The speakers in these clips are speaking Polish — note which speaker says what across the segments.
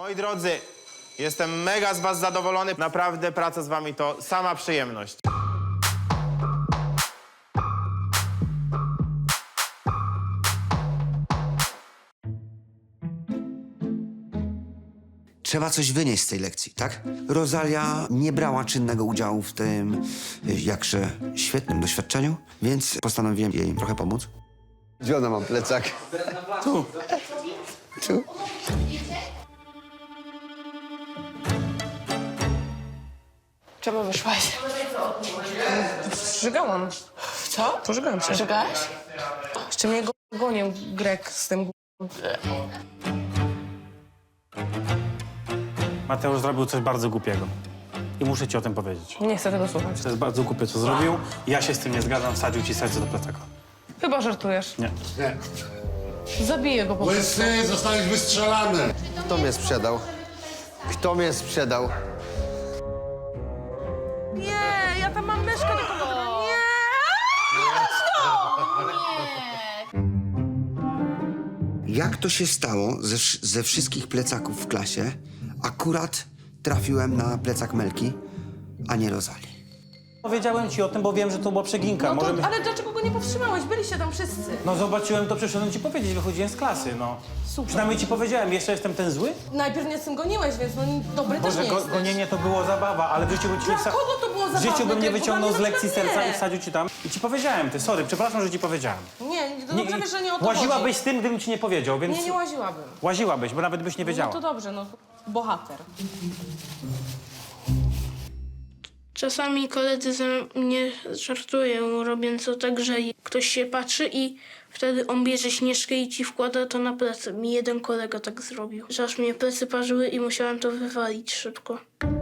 Speaker 1: Moi drodzy, jestem mega z was zadowolony. Naprawdę praca z wami to sama przyjemność.
Speaker 2: Trzeba coś wynieść z tej lekcji, tak? Rosalia nie brała czynnego udziału w tym jakże świetnym doświadczeniu, więc postanowiłem jej trochę pomóc.
Speaker 3: Gdzie ona mam plecak?
Speaker 2: Tu. Tu.
Speaker 4: Czemu wyszłaś?
Speaker 5: Żygałam.
Speaker 4: Co?
Speaker 5: Pożygałam się.
Speaker 4: Żygałaś?
Speaker 5: Jeszcze mnie gonił Grek z tym
Speaker 6: Mateusz zrobił coś bardzo głupiego. I muszę ci o tym powiedzieć.
Speaker 5: Nie chcę tego słuchać.
Speaker 6: To jest bardzo głupie, co zrobił. Ja się z tym nie zgadzam, wsadził ci serce do plecaka.
Speaker 5: Chyba żartujesz.
Speaker 6: Nie.
Speaker 5: Zabiję go po prostu.
Speaker 7: Łysy, zostałeś wystrzelany.
Speaker 3: Kto mnie sprzedał? Kto mnie sprzedał?
Speaker 5: Nie, ja tam mam myszkę do komputera. Nie!
Speaker 2: Jak to się stało ze wszystkich plecaków w klasie, akurat trafiłem na plecak Melki, a nie Rosalii?
Speaker 6: Powiedziałem ci o tym, bo wiem, że to była przeginka.
Speaker 5: No to,
Speaker 6: Możemy...
Speaker 5: ale dlaczego go nie powstrzymałeś? Byliście tam wszyscy.
Speaker 6: No zobaczyłem to, przyszedłem ci powiedzieć, wychodziłem z klasy, no.
Speaker 5: Super.
Speaker 6: Przynajmniej ci powiedziałem, jeszcze jestem ten zły?
Speaker 5: Najpierw mnie z tym goniłeś, więc no dobry też
Speaker 6: Boże,
Speaker 5: nie jesteś.
Speaker 6: gonienie to było zabawa, ale w życiu bym ci nie
Speaker 5: Dla kogo to było
Speaker 6: W życiu
Speaker 5: zabawne?
Speaker 6: bym nie
Speaker 5: Ty
Speaker 6: wyciągnął z
Speaker 5: chyba nie
Speaker 6: lekcji
Speaker 5: masz na
Speaker 6: serca
Speaker 5: mnie.
Speaker 6: i wsadził ci tam. I ci powiedziałem, ty, sorry, przepraszam, że ci powiedziałem.
Speaker 5: Nie, to dobrze wiesz, że nie o to
Speaker 6: Łaziłabyś
Speaker 5: chodzi.
Speaker 6: z tym, gdybym ci nie powiedział, więc...
Speaker 5: Nie łaziłabym.
Speaker 6: Łaziłabyś, bo nawet byś nie
Speaker 5: No
Speaker 6: wiedziała.
Speaker 5: to dobrze, no. Bohater.
Speaker 8: Czasami koledzy ze mnie żartują, robiąc to tak, że ktoś się patrzy i wtedy on bierze śnieżkę i ci wkłada to na plecy. Mi jeden kolega tak zrobił, że aż mnie plecy parzyły i musiałem to wywalić szybko.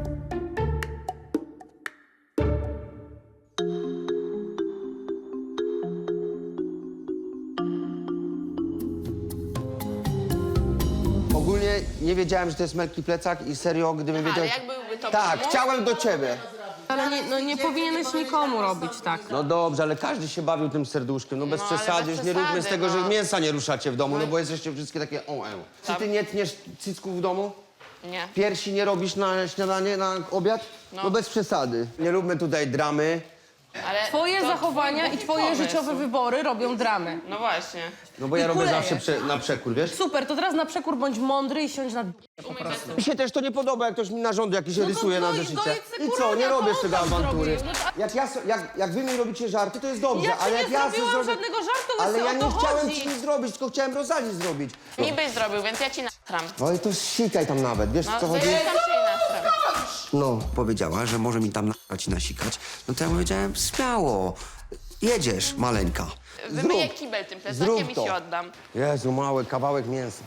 Speaker 3: Ogólnie nie wiedziałem, że to jest Melki plecak i serio, gdybym wiedział...
Speaker 4: Ale jak byłby to
Speaker 3: Tak,
Speaker 4: pomóc?
Speaker 3: chciałem do ciebie.
Speaker 5: Ale nie, no nie powinieneś nikomu robić tak.
Speaker 3: No dobrze, ale każdy się bawił tym serduszkiem, no bez
Speaker 4: No, ale
Speaker 3: przesady,
Speaker 4: bez
Speaker 3: już nie róbmy z
Speaker 4: przesady,
Speaker 3: tego, że
Speaker 4: no.
Speaker 3: mięsa nie ruszacie w domu, no bo jesteście wszystkie takie Czy ty nie tniesz cycków w domu?
Speaker 4: Nie.
Speaker 3: Piersi nie robisz na śniadanie, na obiad? No bez przesady. Nie róbmy tutaj dramy.
Speaker 4: Ale
Speaker 5: Twoje
Speaker 4: to
Speaker 5: zachowania
Speaker 4: twój
Speaker 5: i twoje
Speaker 4: pomysł.
Speaker 5: życiowe wybory robią dramę.
Speaker 4: No właśnie.
Speaker 3: No bo ja
Speaker 5: I
Speaker 3: robię
Speaker 5: kulejesz.
Speaker 3: zawsze na przekór, wiesz?
Speaker 5: Super, to teraz na przekór bądź mądry i siądź na
Speaker 3: Mi się też to nie podoba, jak ktoś mi narządu jakiś
Speaker 5: No to
Speaker 3: rysuje na
Speaker 5: no i
Speaker 3: zeszycie.
Speaker 5: dojedz se
Speaker 3: I co,
Speaker 5: kurania,
Speaker 3: nie
Speaker 5: to
Speaker 3: robię z
Speaker 5: on
Speaker 3: tego
Speaker 5: tak
Speaker 3: awantury.
Speaker 5: zrobił. No to-
Speaker 3: Jak wy mi robicie żarty, to jest dobrze,
Speaker 5: Ja ci
Speaker 3: ale
Speaker 5: nie
Speaker 3: jak ja sobie
Speaker 5: zrobiłam
Speaker 3: zrobię...
Speaker 5: żadnego żartu,
Speaker 3: Ale
Speaker 5: Łysy,
Speaker 3: ja
Speaker 5: o
Speaker 3: nie
Speaker 5: to
Speaker 3: chciałem
Speaker 5: chodzi.
Speaker 3: ci nic zrobić, tylko chciałem Rozali zrobić.
Speaker 4: Mi byś zrobił, więc ja ci natram.
Speaker 3: No i to sikaj tam nawet, wiesz
Speaker 4: No,
Speaker 3: co
Speaker 4: to
Speaker 3: chodzi?
Speaker 4: ja tam się nie natram.
Speaker 2: No, powiedziała, że może mi tam nagrać i nasikać. No to ja powiedziałem, śmiało, jedziesz, maleńka.
Speaker 4: Wymyję kibel tym plecakiem i
Speaker 3: to.
Speaker 4: ci oddam.
Speaker 3: Jezu, mały kawałek mięsa.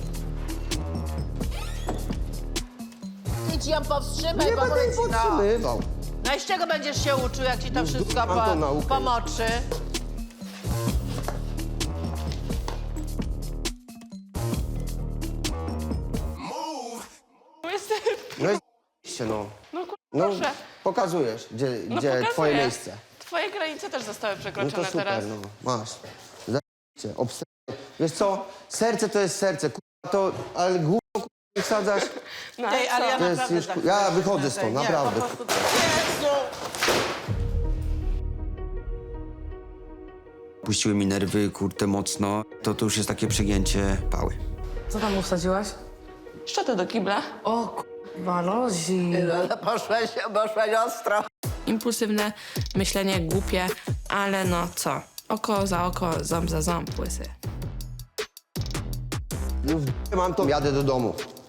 Speaker 9: Ty ci ją powstrzymaj,
Speaker 3: Nie będę jej podtrzymywał.
Speaker 9: No i z czego będziesz się uczył, jak ci to wszystko
Speaker 3: mam tą naukę.
Speaker 9: pomoczy?
Speaker 3: No i no.
Speaker 4: No kur...
Speaker 3: No,
Speaker 4: proszę.
Speaker 3: pokazujesz, gdzie
Speaker 4: pokazuję.
Speaker 3: twoje miejsce.
Speaker 4: Twoje granice też zostały
Speaker 3: No
Speaker 4: przekroczone
Speaker 3: to super,
Speaker 4: teraz.
Speaker 3: no. Masz. Zajebiście, Wiesz co, serce to jest serce, kurwa to, ale gówno kurwa nie wsadzasz,
Speaker 4: No,
Speaker 9: Ej, ale ja
Speaker 3: to jest
Speaker 9: naprawdę
Speaker 3: już,
Speaker 9: tak
Speaker 3: ja
Speaker 9: czuję,
Speaker 3: wychodzę
Speaker 9: że-
Speaker 3: stąd,
Speaker 9: nie,
Speaker 3: naprawdę.
Speaker 9: po prostu... Jezu!
Speaker 2: Puściły mi nerwy, kurczę, mocno. To już jest takie przegięcie pały.
Speaker 5: Co tam usadziłaś?
Speaker 4: Szczotę do kibla.
Speaker 5: O kurwa, Lozi.
Speaker 9: Ale poszłeś ostro.
Speaker 10: Impulsywne myślenie, głupie, ale no co? Oko za oko, ząb za ząb, łysy.
Speaker 3: Już mam to, jadę do domu.